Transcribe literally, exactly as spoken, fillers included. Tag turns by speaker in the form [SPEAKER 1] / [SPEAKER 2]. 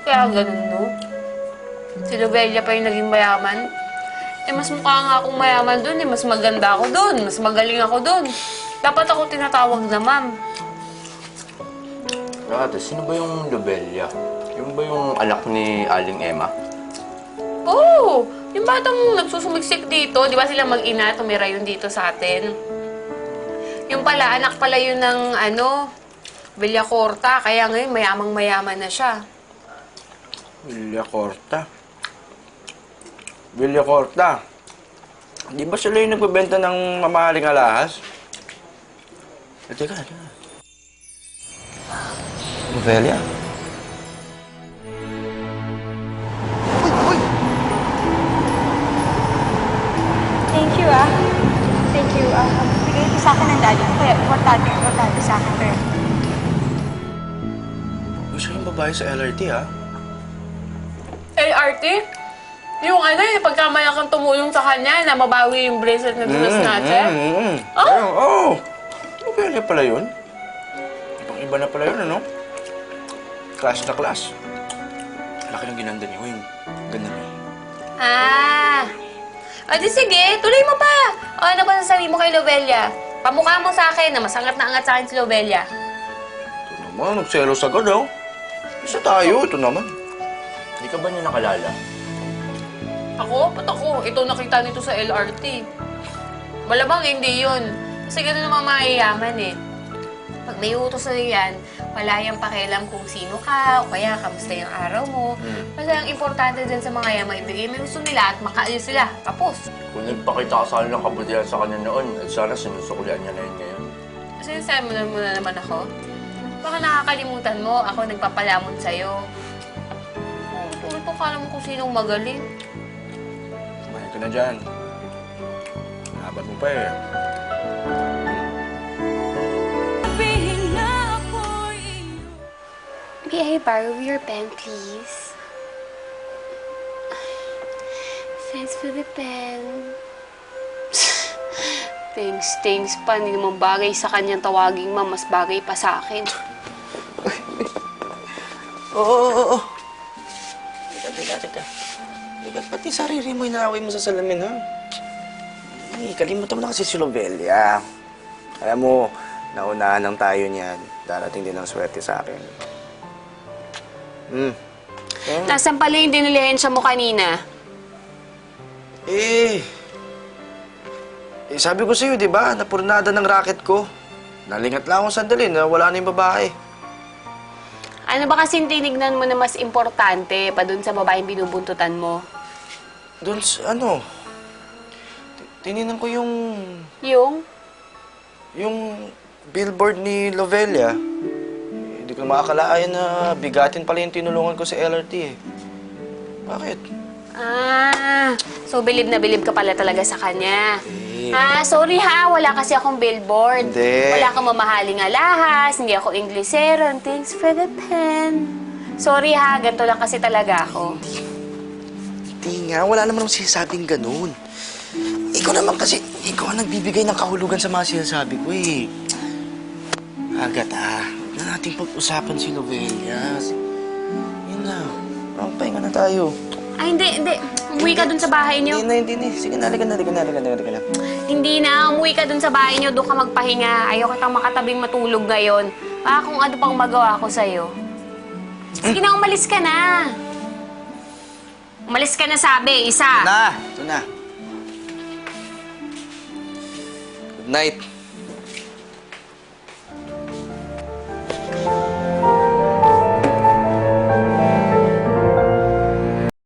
[SPEAKER 1] Kaya ganun, no? Si Lobelia pa yung naging mayaman. Eh, mas mukha nga akong mayaman dun eh. Mas maganda ako dun. Mas magaling ako dun. Dapat ako tinatawag na ma'am.
[SPEAKER 2] Ate, sino ba yung Lobelia? Yung ba yung anak ni Aling Emma?
[SPEAKER 1] Oo! Oh, yung batang nagsusumiksik dito, di ba sila mag-ina, tumira yun dito sa atin. Yung pala, anak pala yun ng ano, Villacorta, kaya ngayon mayamang-mayaman na siya.
[SPEAKER 3] Villacorta? Villacorta? Di ba sila yung nagbebenta ng mamahaling alahas? Eh, teka, teka. Lobelia?
[SPEAKER 4] Thank you, ah. Thank you, ah. Bigay ito sa akin ng daddy ko. Kaya importante, importante sa akin, pero...
[SPEAKER 3] Gusto yung babae sa L R T, ha?
[SPEAKER 1] L R T? Yung ano, yung pagkamaya kang tumulong sa kanya na mabawi yung bracelet na binas natin?
[SPEAKER 3] Mm, mm, mm.
[SPEAKER 1] Oh?
[SPEAKER 3] Oo, oh, Lobelia pala yun. Ibang iba na pala yun, ano? Class na class. Laki ng ginanda niyo, yung ganda niyo.
[SPEAKER 1] Ah! O di sige, tuloy mo pa! O ano ba sasabihin mo kay Lobelia? Pamukha mo sa akin na masangat na angat sa akin si Lobelia.
[SPEAKER 3] Ito naman, nagselos agad, oh. Isa tayo, ito naman.
[SPEAKER 2] Hindi ka ba niya nakalala?
[SPEAKER 1] Ako? Ba't ako? Ito nakita nito sa L R T. Malamang hindi yun. Kasi gano'n naman mayayaman eh. Pag may utos na yan, wala yung pakialam kung sino ka, o kaya kamusta yung araw mo.
[SPEAKER 2] Hmm.
[SPEAKER 1] Kasi ang importante din sa mga yan, maibigay mo yung gusto nila at makaalis sila. Tapos.
[SPEAKER 2] Kung nagpakita ka sa akin ng kabutihan sa kanya noon, at sana sinusuklian niya na yun ngayon.
[SPEAKER 1] Sinasabi mo na muna naman ako. Baka nakakalimutan mo, ako nagpapalamon sa'yo. Oh, tulad ko kala mo kung sinong magaling.
[SPEAKER 3] Kumain ka na dyan. Laban mo pa eh.
[SPEAKER 5] May I borrow your pen, please? Thanks for the pen. Thanks, thanks pa. Hindi naman bagay sa kanyang tawaging ma'am. Mas bagay pa sa akin.
[SPEAKER 3] Oo, oo, oo. Teka, teka, teka. Teka, pati sarili mo inaaway mo sa salamin, ha? Eh, kalimutan mo na kasi si Lobelia. Kaya mo, naunahan lang tayo niyan. Darating din ang swerte sa akin. Hmm. Eh,
[SPEAKER 5] Nasaan pala yung dinilihensya mo kanina?
[SPEAKER 3] eh, eh, sabi ko sa'yo, di ba? Napurnada ng racket ko. Nalingat lang ako sandali na wala na yung babae.
[SPEAKER 5] Ano ba kasing tinignan mo na mas importante pa dun sa babaeng binubuntutan mo?
[SPEAKER 3] Doon sa, ano, ti- tininan ko yung,
[SPEAKER 5] Yung?
[SPEAKER 3] yung billboard ni Lovelia. Hindi ko makakalain na bigatin pala yung tinulungan ko sa L R T eh. Bakit?
[SPEAKER 5] Ah, so bilib na bilib ka pala talaga sa kanya.
[SPEAKER 3] Eh.
[SPEAKER 5] Ah, sorry ha, wala kasi akong billboard.
[SPEAKER 3] Hindi.
[SPEAKER 5] Wala akong mamahaling alahas, hindi ako Inglesero. Thanks for the pen. Sorry ha, ganito lang kasi talaga ako.
[SPEAKER 3] Hindi nga, wala naman akong sinasabing ganun. Ikaw naman kasi, ikaw ang nagbibigay ng kahulugan sa mga sinasabi ko eh. Agatha, huwag na nating pag-usapan si Lovelia. Yun na, parang pahinga na tayo.
[SPEAKER 5] Ay, hindi, hindi. Umuwi ka dun sa bahay niyo.
[SPEAKER 3] Hindi na, hindi na. Sige na, halika na, halika na, halika na, halika na.
[SPEAKER 5] Hindi na, umuwi ka dun sa bahay niyo. Doon ka magpahinga. Ayaw kitang makatabing matulog ngayon. Baka kung ano pang magawa ko sa'yo. Sige na, umalis ka na. Umalis ka na sabi, isa.
[SPEAKER 3] Na, ito na. Good night.